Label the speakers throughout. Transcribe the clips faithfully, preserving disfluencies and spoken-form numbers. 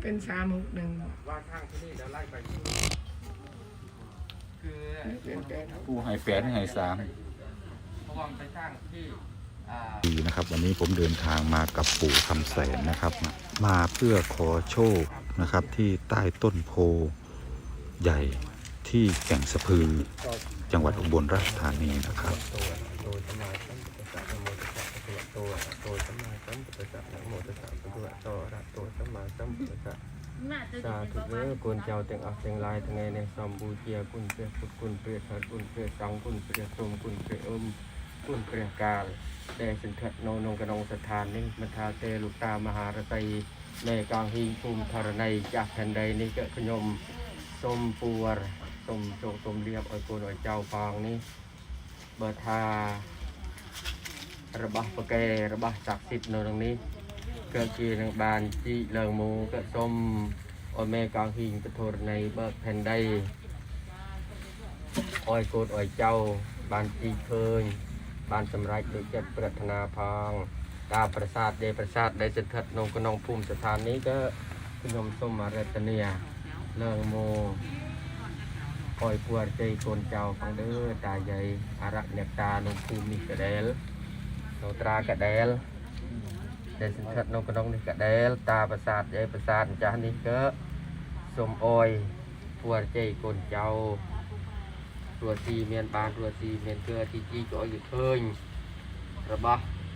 Speaker 1: เป็นสามหกหนึ่ง
Speaker 2: ว่าข้างที่นี่เราไล่ไปคือ
Speaker 3: ผู้ให้แปดให้สาม
Speaker 2: เพราะว่าไปสร้างที่
Speaker 3: ดีนะครับวันนี้ผมเดินทางมากับปู่คำแสนนะครับมาเพื่อขอโชคนะครับที่ใต้ต้นโพใหญ่ที่แก่งสะพือจังหวัดอุบลราชธานีนะครับ
Speaker 2: สาธุเด้อกุญเจ้าเต็งอักเต็งลายทั้งไงในสมบูเจียกุญเปียพุทธกุญเปียสัตกุญเปียสังกุญเปียสมกุญเปียอมกุญเปียกาลแต่สินเถิดโนนงกนงสถานนี้มันทาเตลุตามหารตัยในกลางหิงภูมิธรณีจากแผ่นใดนี้เกิดขยมสมปูวรสมโจสมเรียบอ้อยโกนอ้อยเจ้าฟางนี้เบอร์ทาระบะปะแกระบะศักดิ์สิทธิ์ในตรงนี้เกิดกีนบานจีเลิงมูเกิดสมอ้อยแม่กลางหิงกระโทรในเบิร์แผ่นใดอ้อยโกนอ้อยเจ้าบานจีเคยบานสำไรโดยจัดปรารถนาพองดาวประสาทเดประสาทได้สิทธิ์นงกนงภูมิสถานนี้ก็ขยมสมมาเรตเนียเลิงมูคอยปวดใจคนเจ้าฟังเด้อตาใหญ่อารักเนตาลงภูมิกระเดลโนตรากระเดลได้สินทัดนงกระนงนี่กระเดลตาประสาทใหญ่ประสาทจานี่ก็สมออยปวดใจคนเจ้าตัวซีเมียนบานตัวซีเมียนเกลือที่จีก็อยู่เทิงระบะ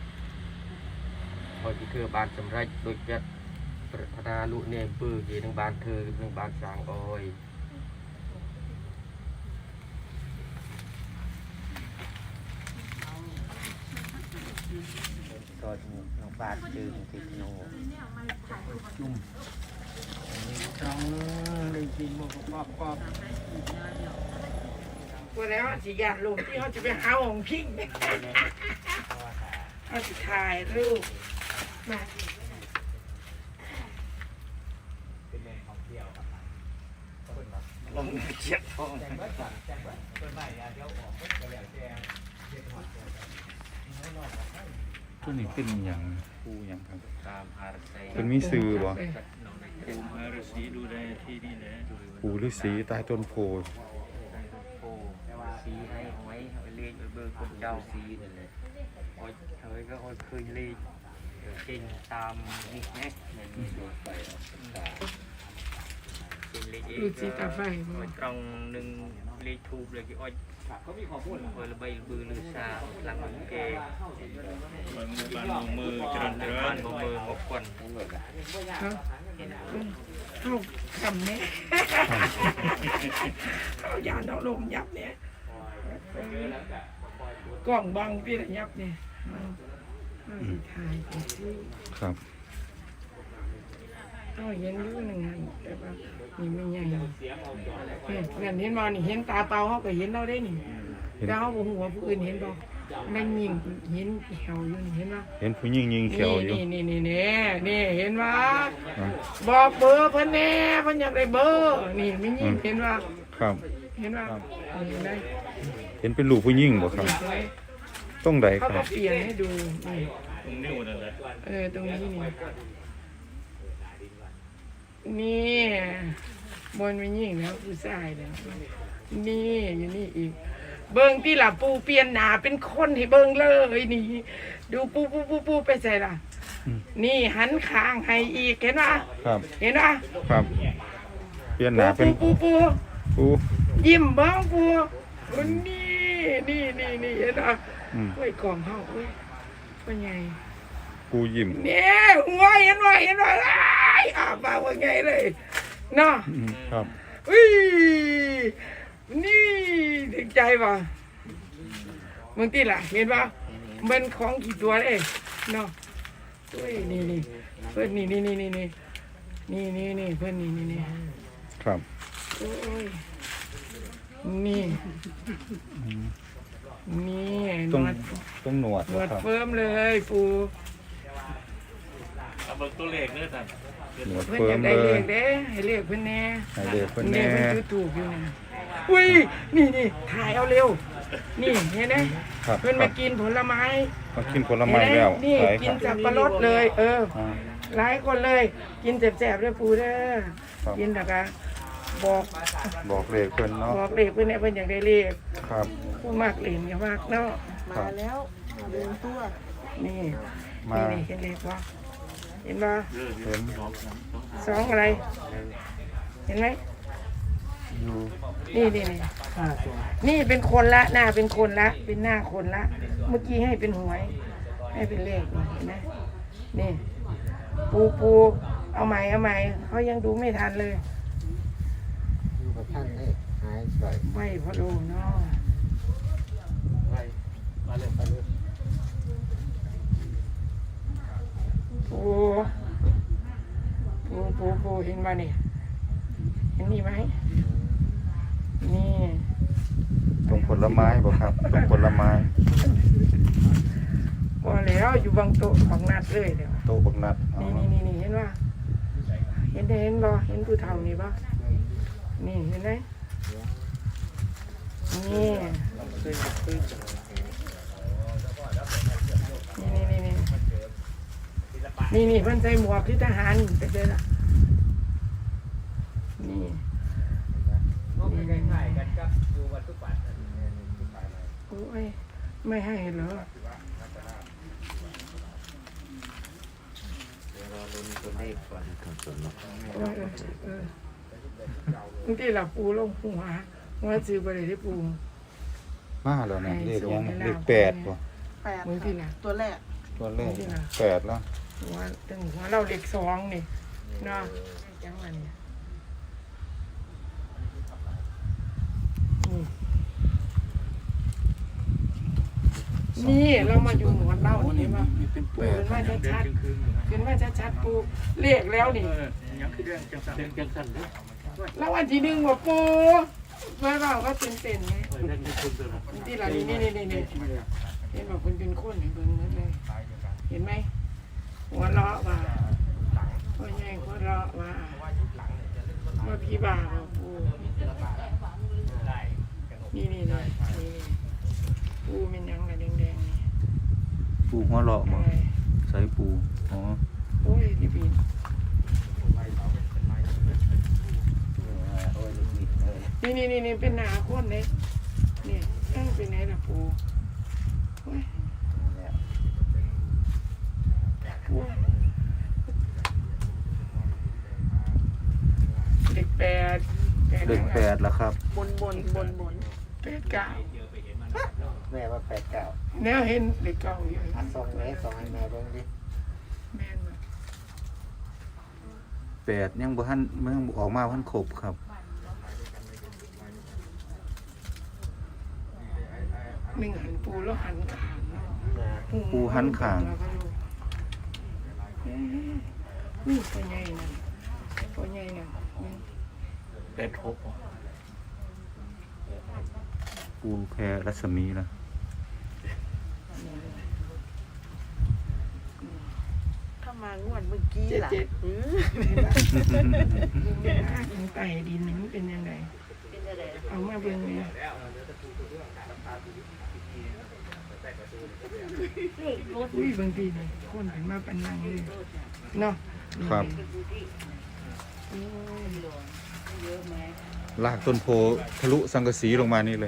Speaker 2: คอยที่เคือบานสำไรโดยจัดปรารถนาลุเนมปื้อที่ทั้งบานเธอทั้งบานสางออยก็น้องบาดจืดติดโนจุ่มตรงเลยกินมันก็ปอบปอบ
Speaker 1: วันแล้วสิยาลงที่เขาจะไปหาของพิงเขาจะถ่ายรูปมาลงเชียบทอง
Speaker 3: ตัวนี้เป็นอย่างปูอย่างครับ
Speaker 2: ตามอาร์เซ
Speaker 3: เป็นมีซื้อบ่
Speaker 2: ปูอาร์ซีดูแลที่นี่แหละ
Speaker 3: ปูฤาษีใต้ต้นโพ
Speaker 2: โอ้ซีให้เอาไว้เอาเลี้ยงเบอร์คนเจ้าซีนั่นแหละโอ้ยเฮ้ยก็โอ้ยเคยเลี้ยงเก่งตามนี่แม่ในนี้ดูไป
Speaker 1: ดูสีตาไฟ
Speaker 2: ตรงหนึ่งเลี้ยงทูบเลยกี่อ้อยเขามีความพูดคอยระบายบือลือซาหลังมันเกย์มือบ้านมือจรันจรันมือหกคน
Speaker 1: เขาเขาคำนี้เขาอย่าเอาลมยับเนี่ยกล้องบังพี่ละยับเนี่ยถ่าย
Speaker 3: ครับ
Speaker 1: เขาเห็นอยู่หนึ่งแต่ว่านี่ไม่ใหญ่เนี่ยเห็นมานี่เห็นตาเปล่าเขาก็เห็นเราได้นี่แต่เขาบอกหัวผู้อื่นเห็นบ่นั่งยิงเห็นแขวอยู่นี่เห็นป่ะ
Speaker 3: เห็นผู้ยิงยิงเขียวอยู่
Speaker 1: นี่นี่นี่นี่นี่เห็นว่าบอกเบอร์เพิ่นแน่เพิ่นอยากได้เบอร์นี่ไม่ยิงเห็นว่า
Speaker 3: ครับ
Speaker 1: เห็นว่าเห็นได้
Speaker 3: เห็นเป็นลูกผู้ยิงบ่ครับต้องใดค
Speaker 1: รั
Speaker 3: บ
Speaker 1: เขาก็เปลี่ยนให้ดูนี่
Speaker 2: ตรงนิ้วนั่นแหละ
Speaker 1: เออตรงนี้นี่นี่บนไม่ยิงแล้วผู้ชายแล้วนี่อยู่นี่อีกเบิ้งที่ล่ะปูเปลี่ยนหนาเป็นคนให้เบิ้งเลยนี่ดูปูปูปูปูไปใส่ล่ะนี่หันข้างให้อีกเห็นป่ะ
Speaker 3: ครับ
Speaker 1: เห็นป่ะ
Speaker 3: ครับเปลี่ยนหนาเป็น
Speaker 1: ปูปู
Speaker 3: ปู
Speaker 1: ยิ้มบ้างปูนี่นี่นี่นี่เห็นป่ะกล้วยกล่องเฮาเว้ยเป็นไง
Speaker 3: ปูยิ้ม
Speaker 1: เนี่ยหัวเห็นป่ะเห็นป่ะอ้าปากว่าไงเลยเนาะ
Speaker 3: ครับ
Speaker 1: อุ้ยนี่ถึงใจป่ะมึงที่ล่ะเห็นป่ะมันของกี่ตัวเองเนาะเฮ้ยนี่นี่เพื่อนนี่นี่นี่นี่นี่นี่นี่นี่เพื่อนนี่นี่นี่
Speaker 3: ครับ
Speaker 1: โอ้ยนี่นี่
Speaker 3: ตรงตรงหนวด
Speaker 1: หนวดเฟิร์มเลยปู
Speaker 2: เอาเบิกตัวเลขเนี่ยท่าน
Speaker 1: เพื่อนอยากได้เลขเด้ให้เลขเพื่อนแน่
Speaker 3: ให้เลขเพื่อนแน่
Speaker 1: เพื่อนถูกอยู่นะอุ้ยนี่นี่ถ่ายเอาเร็วนี่เห็นไหมเพื่อนมากินผลไม้
Speaker 3: มากินผลไม้แล้ว
Speaker 1: นี่กินสับปะรดเลยเออหลายคนเลย กินแสบๆด้วยปูเด้อ
Speaker 3: ครับ
Speaker 1: กินนะคะบอก
Speaker 3: บอกเลขเพิ่นเนาะ
Speaker 1: บอกเลขเพื่อนเนี่ยเพื่อนอยากได้เลข
Speaker 3: ครับ
Speaker 1: ผู้มากเหรียญก็มากเนาะ
Speaker 3: ครับ
Speaker 4: มาแล้วมาเดินตัว
Speaker 1: นี่
Speaker 3: มา
Speaker 1: นี่นี่เห็นเลขปะเห็นปะ
Speaker 3: เห็น
Speaker 1: สองอะไร เห็นไหม
Speaker 3: อยู่
Speaker 1: นี่นี่นี่นี่เป็นคนละหน้าเป็นคนละ เป็นหน้าคนละ เมื่อกี้ให้เป็นหวย ให้เป็นเลขนี่เห็นไหมนี่ปูปูเอาใหม่เอาใหม่เขายังดูไม่ทันเลย
Speaker 2: อยู่กับท่านให้หายไป
Speaker 1: ไหวพอดูเนาะ
Speaker 2: ไปมาเลยไปเลย
Speaker 1: ปูปูปูปูเห็นป่ะนี่เห็นนี่ไหมนี่
Speaker 3: ตรงผลไม้บ่ครับตรงผลไม้
Speaker 1: พอแล้วอยู่บางโต๊ะบางนัดเลยเดี๋ยว
Speaker 3: โตบักนัดอ๋อ
Speaker 1: นี่นี่นี่นี่เห็นป่ะเห็นได้เห็นบ่เห็นผู้เฒ่านี่ป่ะนี่เห็นไหมนี่นี่นี่นี่นี่นี่เพิ่นใส่หมวกที่ทหารไปเลยล่ะนี่นี่นี่โอ้ยไม่ให้เหรอ
Speaker 2: เราลุ้นตัวเลขก่อนครับส่วนลด
Speaker 1: เออเออเออบางทีเราปูลงหัวหัวซื้อไปเลยได้ปู
Speaker 3: มาแล้วเนี่ยเลขยังเลขแปดบ่
Speaker 4: แปด
Speaker 1: มือที่ไหน
Speaker 4: ตัวแรก
Speaker 3: ตัวเลขแปดแล้ว
Speaker 1: หัวตึงหัวเราเล็กสองนี่เนาะจังหวะนี้นี่เรามาอยู่หนวดเล่านี่มาปูเป็นว่าชัดๆเป็นว่าชัดๆปูเรียกแล้วนี่
Speaker 5: ยังคือเรื่องจังสันเรื่องจังสันเด้อ
Speaker 1: แล้ววันที่หนึ่งบอกปูเมื่อเราก็ตื่นเต้นไง
Speaker 5: เรื่องจังคุณเด้อ
Speaker 1: ที่เรานี่นี่นี่นี่เห็นบอกคนเป็นคนเห็นเบิ่งนั่นเลยเห็นไหมหัวเราะว่าพ่อใหญ่หัวเราะว่าว่าพี่บ่าบอกปูนี่นี่นี่นี่ปูเป็นยังไงแดงๆนี่
Speaker 3: ปูหัวเราะบ่
Speaker 1: อะไร
Speaker 3: ใส่ปูอ๋อ
Speaker 1: โอ้ยรีบบินนี่นี่นี่นี่เป็นหนาคนเลยนี่เอ้าเป็นไงล่ะปูโอ้ยปูเด็กแปด
Speaker 3: เลขแปดแล้วครับ
Speaker 4: บนบนบนบน
Speaker 1: แปดเก้า
Speaker 2: แม่ว่าแปดเก้า
Speaker 1: แนวเห็นเด็กเก้าอยู่
Speaker 2: อัดซองแม่ซองให้แม่เบิ่งดิ
Speaker 1: แม่นบ่
Speaker 3: แปดยังบ่ทันมันยังบ่ออกมาพันครบครับ
Speaker 1: หนึ่งหันปูแล้วหันขางเนาะ
Speaker 3: ปูหันข้าง
Speaker 1: แล้วก็ดูเอ๊ะนี่ตัวใหญ่นั่นตัวใหญ่นั่นนี่
Speaker 5: เป็ดหก
Speaker 3: ปูแพรรัศมีแล้ว
Speaker 4: ถ้ามางวดเมื่อกี้ล่ะอือ
Speaker 1: ดินไต่ดินนี่มันเป็นยังไงเอามาเบิ่งเนี่ยอุ้ยบางทีนี่คนเป็นมาปันนังเลยเนาะ
Speaker 3: ครับ
Speaker 1: โอ้ย
Speaker 3: ลากต้นโพทะลุสังกะสีลงมานี่เลย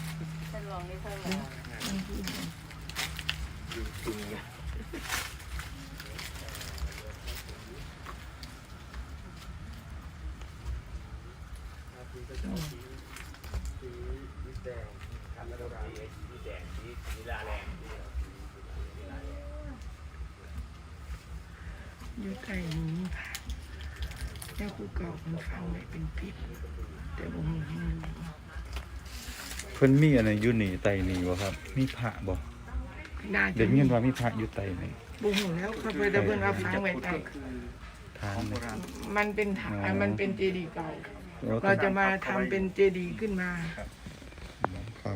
Speaker 1: อยู่ใกล้นี้ค่ะแล้วกูเก่ามันฟังไว้เป็นพิษแต่บ่มีให้มัน
Speaker 3: เพิ่นมีอะไรอยู่นี่ไตนี่บ่ครับ มีพระบ่
Speaker 1: น่าจะ
Speaker 3: เดี๋ยวนี้ว่ามีพระอยู่ไตนี่
Speaker 1: บ่ฮู้แล้วเขาไปแต่เพิ่นว่าฟังไว้ใต้
Speaker 3: ทางนี่
Speaker 1: มันเป็นฐานมันเป็นเจดีย์เก่า
Speaker 3: แล้ว
Speaker 1: เราจะมาทำเป็นเจดีย์ขึ้นมา
Speaker 3: ครับ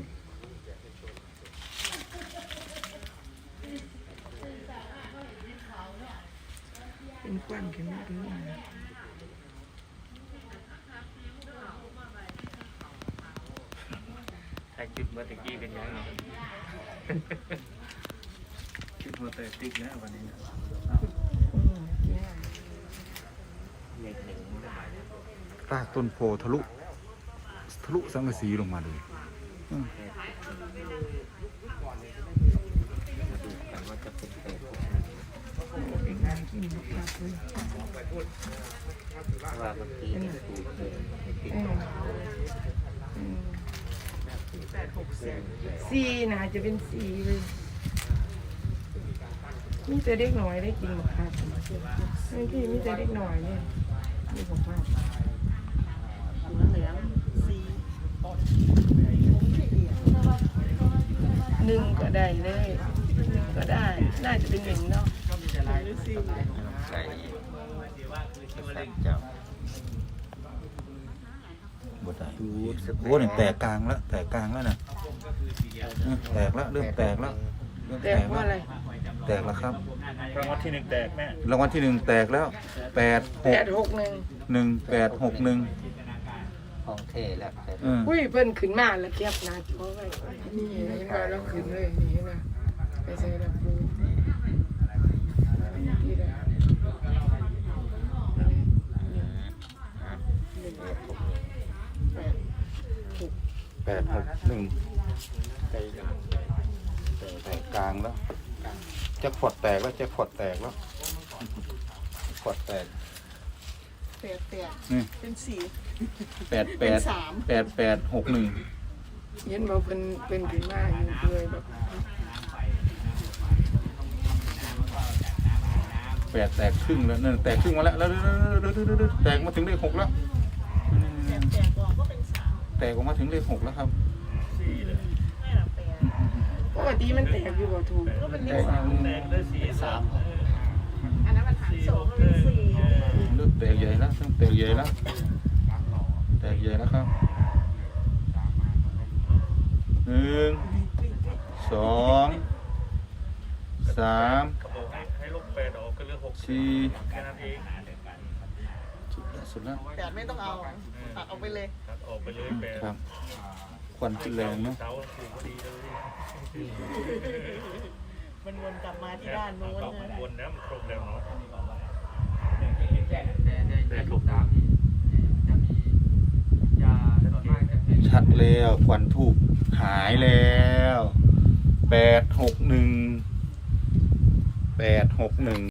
Speaker 1: เป็นควันขึ้นมาเรื่อย
Speaker 5: ถ้าจุดเมื่อตะกี้เป็นยังไงจุดเมื่อตะกี้นะวันนี้
Speaker 1: ๆอืมเนี่ย
Speaker 3: รากต้นโพทะลุทะลุสังกะสีลงมาเลยอืม
Speaker 2: ดูกันว่าจะเป็นแปดหก
Speaker 1: เป็นงานที่มีครับเลย
Speaker 2: ว่าเมื่อกี้เนี่ยปูเขียนติด
Speaker 1: อื
Speaker 2: ตร
Speaker 1: ม
Speaker 2: ง
Speaker 1: อืม
Speaker 4: แปดหกสี่
Speaker 1: สีน่าจะเป็นสีเลยมีแต่เด็กน้อยได้กินหมดครับเมื่อกี้มีแต่เด็กน้อยเนี่ยมีของภาพ
Speaker 4: หัวเหลืองสี่
Speaker 1: หนึ่งก็ได้เลยหนึ่งก็ได้ น่าจะเป็นหนึ่งเนาะ
Speaker 4: หรือสี่
Speaker 2: ใส่ใส่เจ้า
Speaker 3: บดได้โอ้เนี่ยแตกกลางแล้วแตกกลางแล้วนะอืมแตกแล้วเริ่มแตกแล้วเริ่ม
Speaker 1: แต่
Speaker 3: แตก
Speaker 1: ว่า
Speaker 3: แล้ว
Speaker 1: อะไร
Speaker 3: แตกแล้วครับ
Speaker 5: รางวัลที่หนึ่งแตกแม่
Speaker 3: รางวัลที่หนึ่งแตกแล้วแปดห
Speaker 1: แป
Speaker 3: ก
Speaker 1: ดหกหนึ่ง
Speaker 3: หนึ่งแปดหกหนึ่ง
Speaker 2: ของเทแล้วแต่
Speaker 3: อืม
Speaker 1: อุ้ยเพิ่นขึ้นมาแล้วแคบหนาจอไว้นี่เห็นว่าเราขึ้นเลยนี่นะไปใส่ระปูนี่ได้
Speaker 3: แปดหกหนึ่งแตกกลางแล้วแจ็คพอตแตกแล้วแจ็คพอตแตกแล้วพอตแตก
Speaker 4: แปดแปด
Speaker 3: นี่
Speaker 4: เป็นสี่
Speaker 3: แปดแป
Speaker 4: เป็น
Speaker 3: ด
Speaker 4: สาม
Speaker 3: แปดแปดหกหนึ่ง
Speaker 1: เห็นบอกเป็นเป็นขึ้นมาอยู่เลยแบบ
Speaker 3: แปดแตกครึ่งแล้วนั่นแตกครึ่งมาแล้วแล้วแตกมาถึงเลขหกแล้วอืม
Speaker 4: แปดแปดกองก็เป็นสาม
Speaker 3: แตกออกมาถึงเลขหกแล้วครับ
Speaker 4: ไม่หลับแปด
Speaker 1: ปกติมันแตกอยู่บ่ถูก
Speaker 4: ก็เป็นเล
Speaker 3: แต
Speaker 4: ข
Speaker 3: ก
Speaker 4: สาม
Speaker 5: แตกได้สี่สาม
Speaker 4: อันนั้นมันหารสองก็เป็นสี่
Speaker 3: เริ่มแตกใหญ่แล้วเริ่มแตกใหญ่แล้วแตกใหญ่แล้วครับหนึ่งสองสาม
Speaker 5: เขาบอกให้ให้ลบแปดออกก็เหลือหก
Speaker 3: สี่
Speaker 5: แค่นั้นเอง
Speaker 3: สุดแล้ว
Speaker 4: แปดไม่ต้องเอาตัดออกไปเลย
Speaker 5: ตัดออกไปเลยแปด
Speaker 3: ครับควันขึ้นแรงเนาะ
Speaker 5: เสาถูกพอดีเลย
Speaker 4: มันวนกลับมาที่ด้านโน้น
Speaker 5: เอา
Speaker 4: นะ
Speaker 5: วนนะมันครบแล้วเนาะ
Speaker 2: แปดหกสามจะมียาส่วนมากจะเป็น
Speaker 3: ชัดแล้วควันทูบหายแล้วแปดหกหนึ่งแปดหกหนึ่ง